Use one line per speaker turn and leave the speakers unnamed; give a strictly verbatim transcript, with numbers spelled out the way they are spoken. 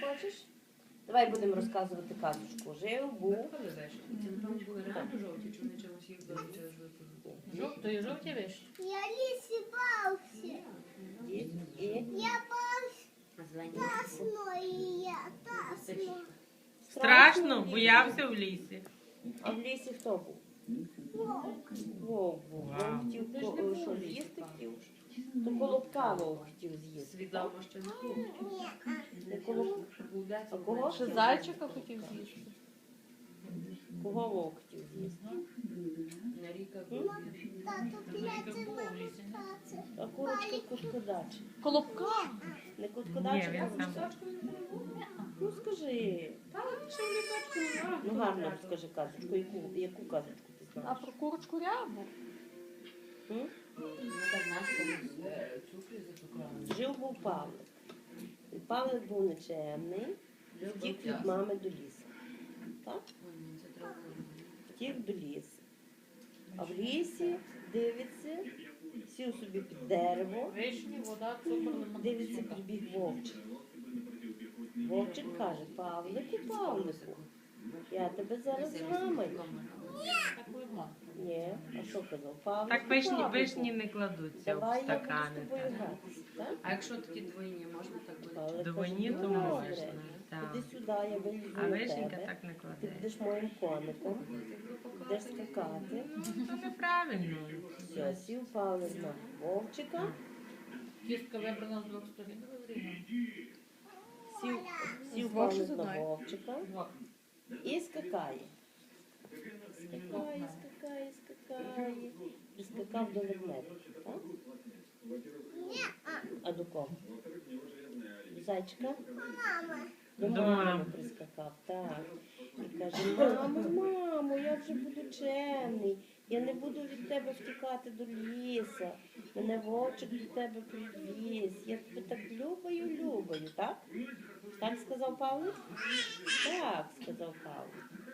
хочеш? Давай будемо розказувати казочку. Жив, був.
Коли вишні? Це, напевно, були реально жовті, чи вони чимось їх били через жовті?
Жовтої жовті вишні.
Я лісі бався.
Дід і
Я бався
А зелені?
тасно, і я тасно.
Страшно, боявся в лісі.
А в лісі хто був?
Вовк.
Вовк був. Вовк хотів
Ти ж не
ко-
був
що
в лісі,
з'їсти
папа.
хотів? То колобка вовк хотів з'їсти.
Свідомо, що не був.
Ні,
Не колоб...
Був десь.
А кого?
Ще зайчика хотів з'їсти.
Кого вовк хотів з'їсти?
На ріка
М?
був.
тато п'яти маму спати.
А курочка куткодача.
Колобка.
Не
Ні,
куткодача?
він сам.
Ну скажи.
Та, що в лісочку не
Ну гарно скажи казочку. Яку, яку казочку ти
А
знаєш?
про курочку рябу.
М?
Ну, так наш комусь е, цукрі зацукрали.
Жив був Павлик. І Павлик був нечемний, втік від мами до лісу. Так?
Ой, ні, це треба.
Втік до лісу. А в лісі дивиться, сів собі під дерево,
Вишні, вода, цукор, лимон.
дивиться, прибіг вовчик. Вовчик каже: Павлику, Павлику, я тебе зараз зламаю.
Так лимон.
Ні, а що казав? Павлику,
Так вишні,
Павлику,
вишні не кладуться в
давай я буду з
стакани.
тобою
так.
гратися. Так?
А якщо такі двойні, можна так буде?
Павлик
Двойні,
каже:
то
«Добре,
можна. Так.
Іди сюди, я вилізу
А
на
вишенька
тебе.
так не
Ти
кладе.
будеш моїм коником, будеш скакати.
Ну, це неправильно.
Все, сів Павлик на вовчика,
Кістка вибрана з двох сторін.
сів, сів
З двох чи
Павлик
з
на
одної?
вовчика і скакає. Скакає, скакає, скакає. І скакав до ведмедика, так? А до кого? До зайчика?
Мама.
До
До
мами
мами.
прискакав, так. І каже: мамо, мамо, я вже буду чемний. Я не буду від тебе втікати до ліса. Мене вовчик до тебе привіз. Я тебе так любаю, любаю, так? Так сказав Павлик? Так, сказав Павлик.